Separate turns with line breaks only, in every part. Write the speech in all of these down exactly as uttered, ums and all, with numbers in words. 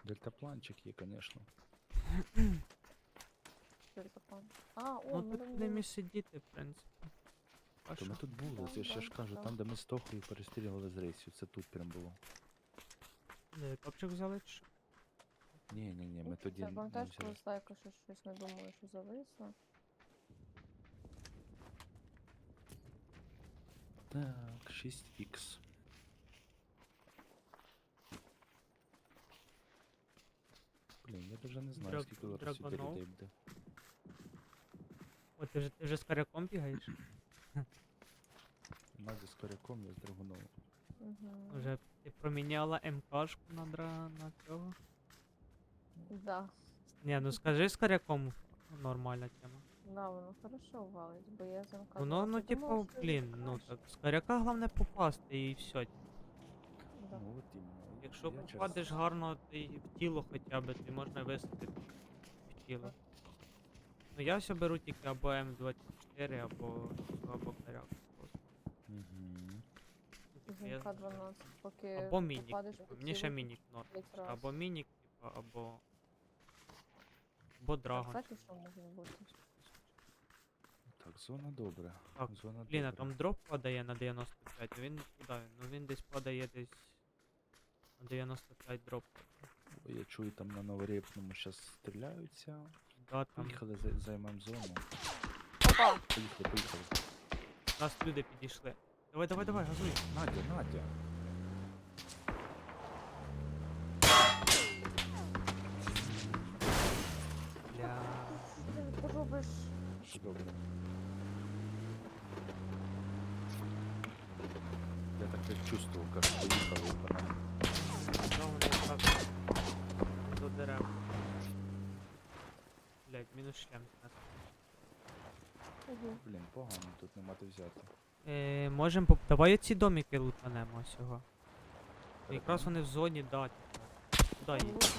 Дельтапланчик є, звісно.
Дельтаплан. А, о,
Ну
ми
тут
там
будемо
були.
і сидіти, в принципі. А
То ми
що?
тут були,
Да,
це ще
да,
ж кажу,
да.
там де ми з Тохою перестрілювали з рейсів, це тут прям було.
Де, топчик взяли чи що?
Ні, ні, ні, ми тоді
Це
не
пам'ятаєш, коли
взяли.
Слайка ще щось не думаю, що зависло?
Так, шість ікс. Блін, я даже не знаю,
Драг-
скільки зараз сюди
драгонов.
людей буде.
О, ти вже, ти вже з коряком бігаєш?
Надя з коряком, я з драгуновим.
Угу.
Вже ти проміняла МКшку на дра на цього?
Да.
Ні, ну скажи з коряком нормальна тема.
Да, воно хорошо валить, бо я замка.
Воно, ну типу, блін, ну так, з коряка головне попасти і все.
Да.
Ну от іменно.
Якщо
Я через-
попадеш гарно ти в тіло хоча б, ти можна висадити в тіло. Ну я все беру тільки або М двадцять чотири, або, або коряк. просто.
Мгм.
Типу, я-
Замка дванадцять, поки
Або мінік,
попадеш
типу,
в
мені ще
тіло
мінік норм.
п'ять раз.
Або мінік, типу, або. Або
А,
драгон.
кстати, що може бути?
Так, зона добре.
Так,
Зона
Блін, а
добре.
там дроп падає на дев'яносто п'ять, а він куди він? Ну він десь падає десь на дев'яносто п'ять дроп.
Ой, я чую, там на новорепному зараз стріляються.
Да, там
Поїхали, зай- займемо зону.
Опа!
Поїхали, поїхали.
нас люди підійшли. Давай, давай, давай, газуй.
Надя, Надя.
Бля.
Що ти робиш?
Все добре. Я так як чувствував, як поїхали по нам.
Ну, вони якраз до дерев. Блять, мінус шлем з нас.
Угу.
Блін, погано, тут нема де взяти.
Е, можем поп... Давай ці домики лутанемо всього. Якраз вони в зоні, да, типу. Куди їх?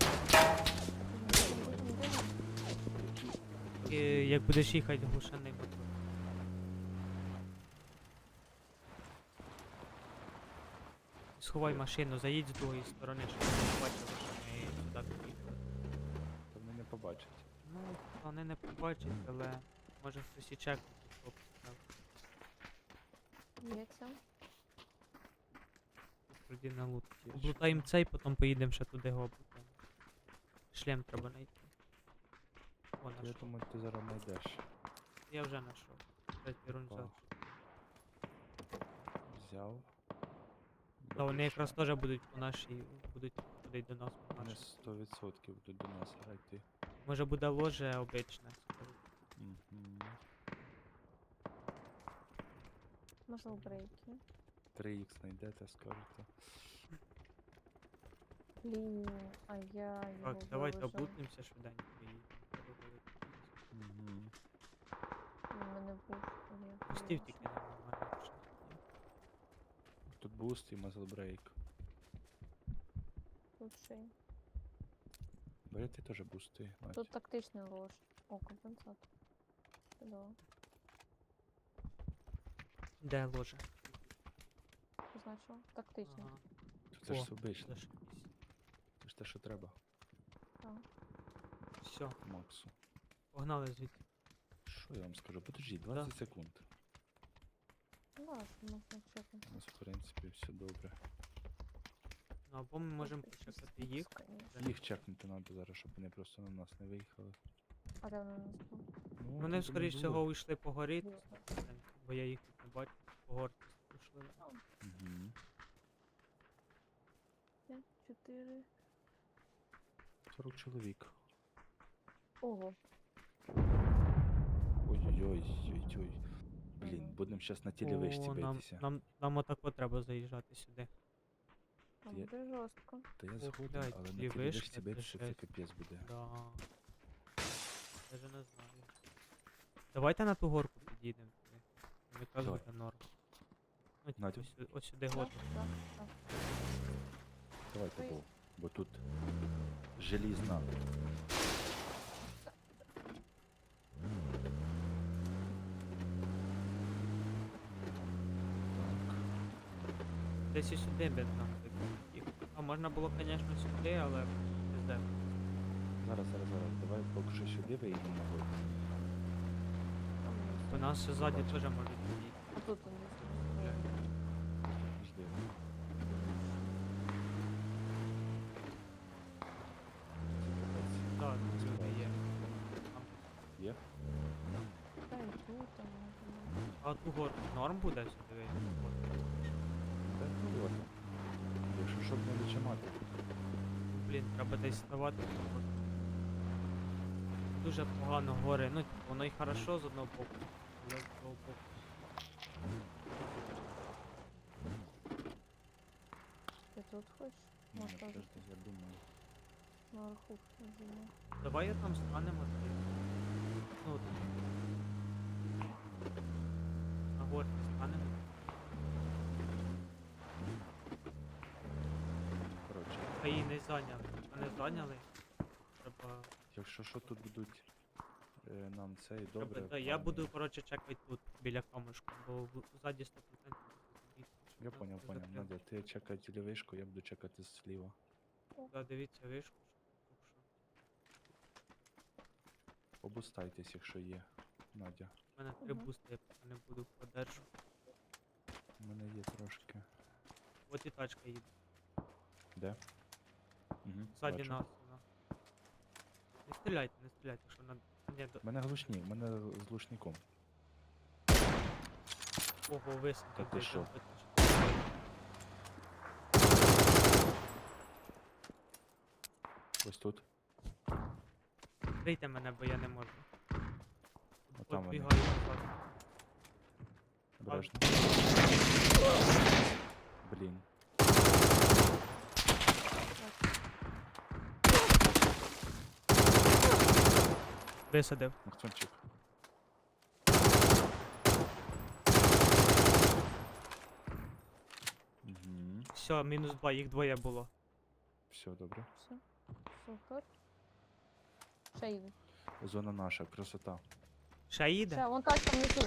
Е, як будеш їхати глушений мотор. Сховай машину, заїдь з другої сторони, щоб вони бачили, що ми сюди під'їхали.
Та вони не побачать.
Ну, вони не побачать, але може хтось і чекнути, хто поставив.
Є це?
Тоді на лут.
Є
Облутаємо
ще.
цей, потім поїдемо ще туди його облутаємо. Шлем треба знайти. О,
Я
нашов.
думаю, ти зараз знайдеш.
Я вже знайшов. Третій рунзак.
Опа. Взяв.
Та вони якраз
Бачиш,
теж будуть по нашій, будуть ходити до нас по
вони
нашій.
сто відсотків будуть до нас грати.
Може буде ложе обичне, скажу.
Мгм.
Можна в брейки.
три ікс знайдете, скажете.
Блін, а я його
Так, давайте
виложу.
облутнемося швиденько і переговоримо.
Мгм.
У мене був. я
Пустів
виложу.
тільки не нормально. що ні.
Тут буст і мазл брейк.
Тут ще й.
Бери ти теж бусти, Надь.
Тут тактичний лож. О, компенсатор. Чудово.
Де ложе?
Позначив? Тактичний.
Ага.
Це ж
О,
все обично.
зашибись.
Це ж те, що треба,
Так.
Все,
Максу.
погнали звідси.
Що я вам скажу? Подожди, двадцять секунд.
Ну, да, що можна чекати.
У нас, в принципі, все добре.
Ну або ми можемо
Тут
почекати
якийсь
їх.
спуск, конечно.
Їх чекнути треба зараз, щоб вони просто на нас не виїхали.
А де вони у нас були?
Ну,
Вони,
тут
скоріш
було.
всього, уйшли по горі,
Ясно.
бо я їх тут не бачу. По горці ушли.
Мгм.
П'ять, чотири.
сорок чоловік.
Ого.
Ой-ой-ой, ой-ой. Блін,
Мгм.
будемо зараз на телевишці
О, нам,
битися.
нам, нам отако треба заїжджати сюди.
Там
Я-
буде жорстко.
Та я
Ох,
згоден,
блядь,
але на
телевишки
телевишці
це
битися це
жесть.
капець буде.
Да. Даже не знаю. Давайте на ту горку підійдемо. туди. Там якраз
Давай.
буде норм. Ну, типу,
Надя.
ось, сю- ось сюди
Так,
год.
так, так.
Давайте,
Ой.
бо, бо тут желізна.
Десь і сюди би нам їх. А можна було, звісно, сюди, але де?
Зараз, зараз, зараз. Давай поки що сюди виїдемо на гору.
Там є.
До нас ще ззаді
Бачу.
теж можуть бути.
А тут вони.
Бля.
Жди. Це
Так,
капець.
люди є. Там.
Є?
Та й тут, там може бути.
А ту гору норм буде сюди?
Та ну ладно. Якщо щоб не відчимати.
Блін, треба десь ставати. Дуже погано гори. Ну, типу, воно і хорошо з одного боку, але з другого боку.
Ти тут хочеш?
Ну,
Може,
подожди,
теж
я думаю.
наверху зиму.
Давай я там станемо. ти. Ну, от. На горці станемо.
Коротше,
А її не зайняли. А не зайняли. Треба.
якщо що тут будуть е, нам це і
треба
добре.
та, я
плані.
буду, коротше, чекати тут, біля камушку, бо в- ззаді сто відсотків буде забіг, щоб
Я
нас
поняв,
не
поняв.
закрили.
Надя, ти чекай лівишку, я буду чекати зліва.
Да, дивіться вишку, щоб що.
Обустайтесь, якщо є. Надя.
У мене три
Мгм.
бусти, я поки не буду подержу.
У мене є трошки.
От і тачка їде.
Де? Угу,
Ззаді нас вона. Не стріляйте, не стріляйте, якщо на. Ні, до...
У мене глушні, у мене з глушником.
Ого, високо.
Та ти що? Ось тут.
Крийте мене, бо я не можу.
Отам вони.
Підбігаю назад.
Обережно. Блін.
Висадив.
Максончик. Угу.
Все, мінус два, їх двоє було.
Все, добре.
Все. Супер. Ще їде.
Зона наша, красота.
Ще їде?
Ще, вон тачка внизу.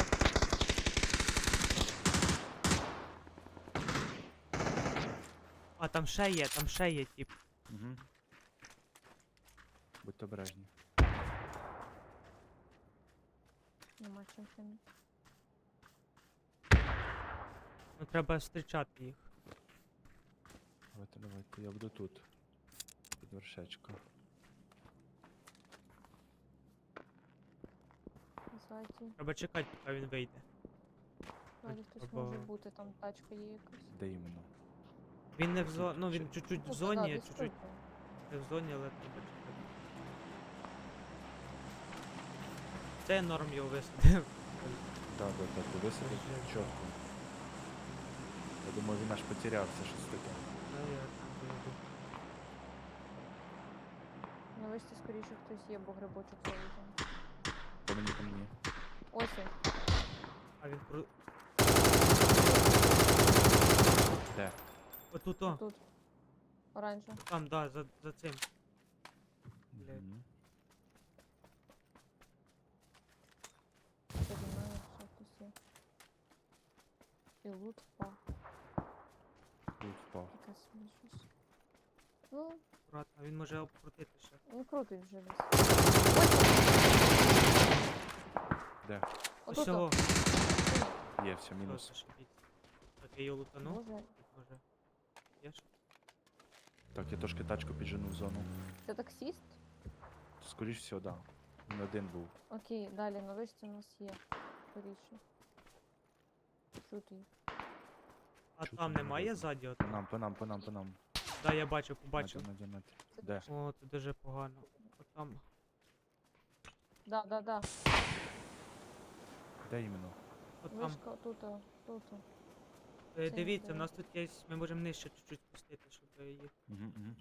А, там ще є, там ще є, тип.
Угу. Будьте обережні.
Нема чим чинити.
Ну треба зустрічати їх.
Давайте, давайте, я буду тут. Під вершечко.
Ззаді.
Треба чекати, поки він вийде.
Ззаді хтось
Або-
може бути, там тачка є якась.
Де іменно?
Він не в
Тут
зоні, ну
чи-
він чуть-чуть в
Ну, та да,
зоні,
десь
чуть-чуть
тут,
не в зоні, але треба чекати. Це я норм його висадив.
Так, так, так, ти висадив чітко. Я думаю, він аж потерявся, щось таке.
Ну, я там вийду.
На вишці скоріше хтось є, бо грибочок залізав.
По мені, по мені.
Ось він.
А він про.
Де?
Отут, о,
Тут. Оранжево.
там, да, за, за цим. Блядь.
Мгм.
Ззаді мене ще хтось є. І лут впав.
Тут впав.
Якась собі щось. Ну,
Аккуратно, він може обкрутити ще.
не крутить вже десь.
Де?
Отут.
Усього.
о.
Є, все, мінус.
Мінус. Так, я його лутанув.
Може,
Тут може. Є ж?
Так, я трошки тачку піджену в зону.
це таксіст?
Скоріш всього, да. Він один був.
Окей, далі на вишці у нас є. Скоріше. Чути їх.
А
Чути
там
не
немає
видно.
ззаді? От?
По нам, по нам, по нам, по нам.
Да, я бачив, побачив.
Надя, Надя, Надя.
Це
Де?
О, це дуже погано. От там.
Да, да, да.
Де іменно?
От там.
Вишка тут, о, тут. о.
Е,
це
Дивіться, в
не
нас тут є. Ми можемо нижче чуть-чуть спустити, щоб їх.
Угу, угу.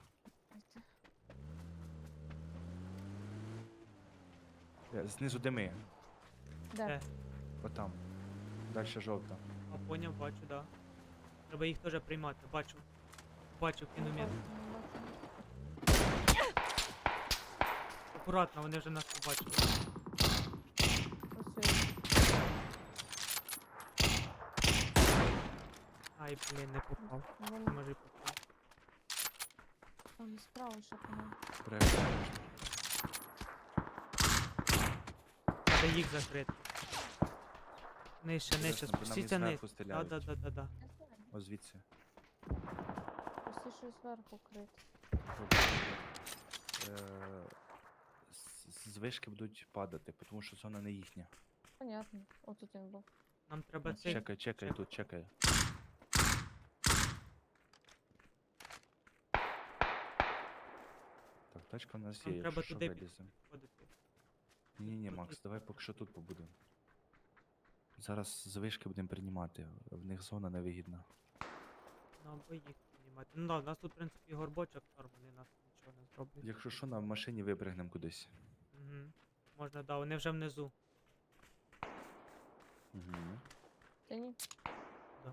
Дайте.
Знизу дими.
Де?
Де?
Отам. Дальше жовта.
А поняв, бачу, да. Треба їх теж приймати, бачу. Бачу
Не
кіномет.
бачу, не бачу.
Акуратно, вони вже нас побачили.
Ось він.
Ай, блін, не попав.
Вони-
Може й попав.
Там і справа ще по-моєму.
Обережно, обережно.
Треба їх закрити. Нижче, нижче,
Обережно, бо нам
спустіться
із
вниз.
зверху
Да,
стріляють.
да, да, да, да.
Я знаю.
О, звідси.
Простіше зверху крити.
Добре, добре. Е, з- З вишки будуть падати, тому що зона не їхня.
Понятно. Отут він був.
Нам треба
Ось,
цей.
Чекай, чекай,
чек.
тут чекай. Так, тачка в нас
Нам
є,
треба
якщо що
туди
виліземо.
підходити.
Ні-ні-ні,
Тут
Макс,
тут.
давай поки що тут побудемо. Зараз з вишки будемо приймати, в них зона невигідна.
Ну, або їх піднімати. Ну да, у нас тут, в принципі, горбочок норм, вони нас нічого не зроблять.
Якщо що, на машині випригнемо кудись.
Угу. Можна, да, вони вже внизу.
Угу.
Та ні.
Да.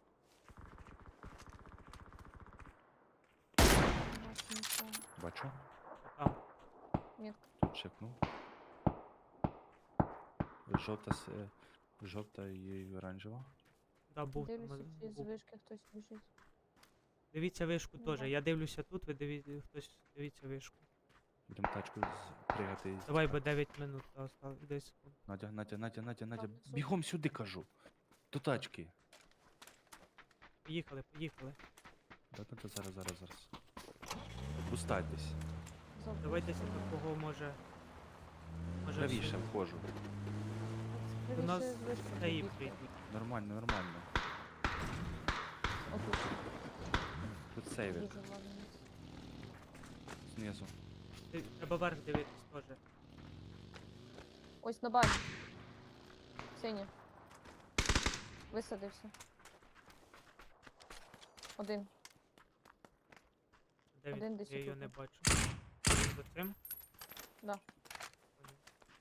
Не бачу нікого.
Бачу,
Там.
Метка.
тут чекнув. Жовта, с- е, жовта і оранжева.
Да, був там.
Дивлюся,
один,
чи з
був.
вишки хтось біжить.
Дивіться вишку
Ну,
теж.
да.
Я дивлюся тут, ви дивіться, хтось дивіться вишку.
Будемо тачку з- пригати і
Давай, бо
тікати.
дев'ять минут осталось, десять секунд.
Надя, Надя, Надя, Надя, Надя,
внизу.
бігом сюди, кажу. До тачки.
Поїхали, поїхали.
Да-да-да, зараз, зараз, зараз. Пустайтесь.
Забув
Давайте
собі.
такого може. Може
Правіше
всі-
входжу.
До нас
Правіше з вишки
та і
бігти.
прийдуть.
Нормально, нормально.
Отут.
Тут сейвер
Дуже важливо.
знизу.
Ти- Треба вверх дивитись теж.
Ось на бані. Синя. Висадився. Один.
Де
Один
він?
десь
Я її
отут.
не бачу. Він за цим?
Да.
Понял.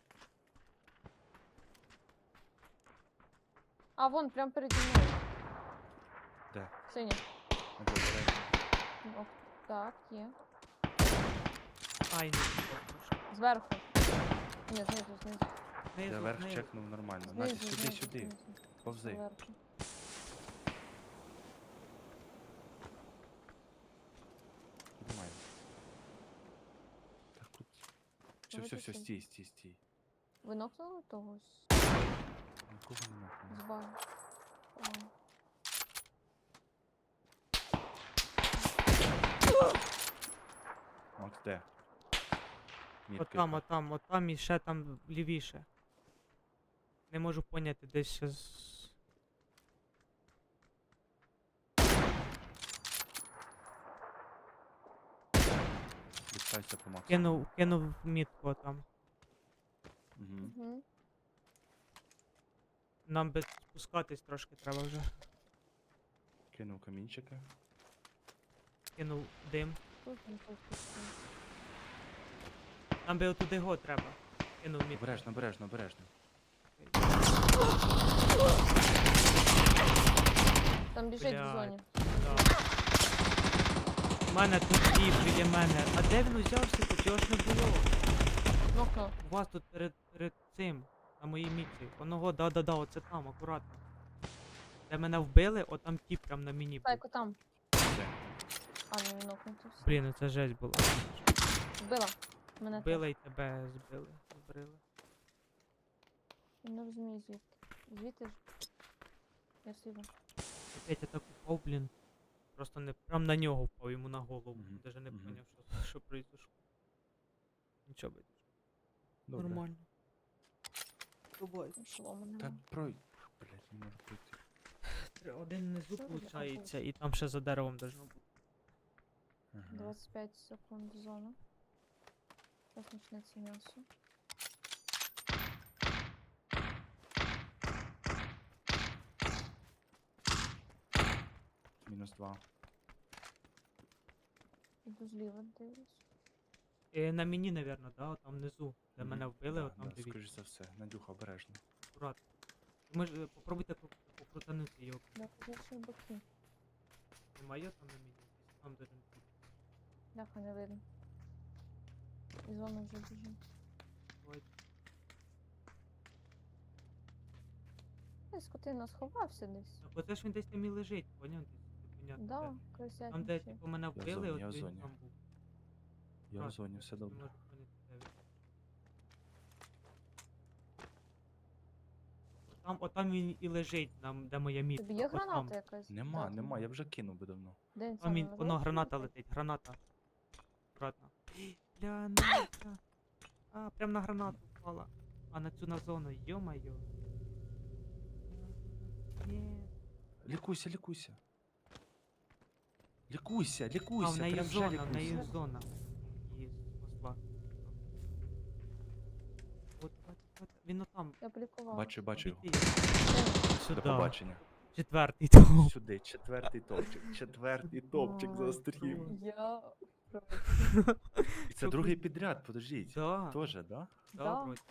А, вон, прям переді мною.
Де?
Синя.
Надя, обережно.
О, так, є.
Ай, не бачу.
Зверху. Ні, знизу, знизу.
Я
Знизу,
вверх
знизу.
чекнув нормально. Надя,
Знизу,
сюди,
знизу,
сюди.
знизу.
Повзи.
Зверху.
Піднімай. Так, тут. Все,
Давайте
все, все,
сюди.
стій, стій, стій.
Ви нокнули того з,
Нікого не
з
нахуй.
бані? По-моєму.
Макс, де? Мітка
Отам,
яка?
отам, отам і ще там лівіше. Не можу поняти, десь ще з...
Відстайся по Максу.
Кинув, кинув мітку отам.
Угу.
Угу.
Нам би спускатись трошки треба вже.
Кинув камінчики.
Кинув дим.
Тут не пуститься.
Нам би отуди го треба. Кинув мітку.
Обережно, обережно, обережно.
Там біжить в
Блядь.
зоні.
Да. У мене тут тіп біля мене. А де він узявся тут? Його ж не було.
Нокнув.
У вас тут перед, перед цим, на моїй мітці. Оного, да-да-да, оце там, акуратно. Де мене вбили, отам тіп прям на мені був.
Тайко там.
Де?
А, не він нокнув. тут.
Блін, це жесть була.
Вбила. Мене теж.
Вбили і тебе збили. Збрили.
Я не розумію звідки. Звідти ж. Я сіду.
Опять я так упав, блін. Просто не прям на нього впав, йому на голову.
Мгм,
Даже не
мгм.
поняв, що, що произошло. Нічого би.
Добре.
Нормально. Бувай.
Шолома
Та
нема.
прой. Блять, не можу пройти.
Один внизу
Що ви
виходить,
робите?
і там ще за деревом должно бути.
Ага.
двадцять п'ять секунд зона. Зараз почнеться м'ясо.
Мінус два.
Іду зліва дивлюсь.
Е, на мені, напевно, да, там внизу, де
Мгм.
мене вбили,
Да,
от там
да,
дивіться.
скоріш за все. Надюха, обережно.
Акуратно. Ми ж е, попробуйте кру- покрутанути його.
Да, позицію боки.
Немає там на мені? Десь там должен бути.
Ляха не видно. І зона вже біжить.
Давайте.
Ей, скотина сховався десь.
Так оце ж він десь там і лежить, поняв? Десь непонятно
Да,
де.
крисять.
Там, де типу мене
в
вбили,
зоні, я в
от він
зоні.
там був.
Я в
Просто
зоні, все
не
добре.
можу поняти, де він. Там, отам він і лежить, нам, де моя мітка.
Тобі є
отам.
граната якась?
Нема,
Дати?
нема, я вже кинув би давно.
Де він
Там
саме
він,
на
воно
жовтій
граната
летить?
летить, граната. Аккуратно. Бля, Настя. А, прям на гранату впала. А на цю на зону, ё-моё. Ні.
Лікуйся, лікуйся. Лікуйся,
А, в
лікуйся,
неї
прям вже
зона, в неї
лікуйся.
зона. Її спасла. От, от, от, він отам.
Я полікувала.
Бачу, бачу його.
Обійти.
Де
Сюди.
До побачення.
Четвертий топ.
Сюди, четвертий топчик, четвертий топчик
він?
застрів.
Я проти.
І це другий підряд, подождіть.
Да,
Тоже, да?
да,
Да.
вроді.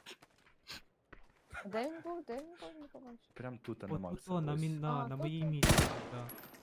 Де він був? Де він був? Не побачив.
Прям тут, а
От
на
тут
Макса.
о, на,
ось.
мін- на,
А,
на
тут
моїй
он.
місці, да.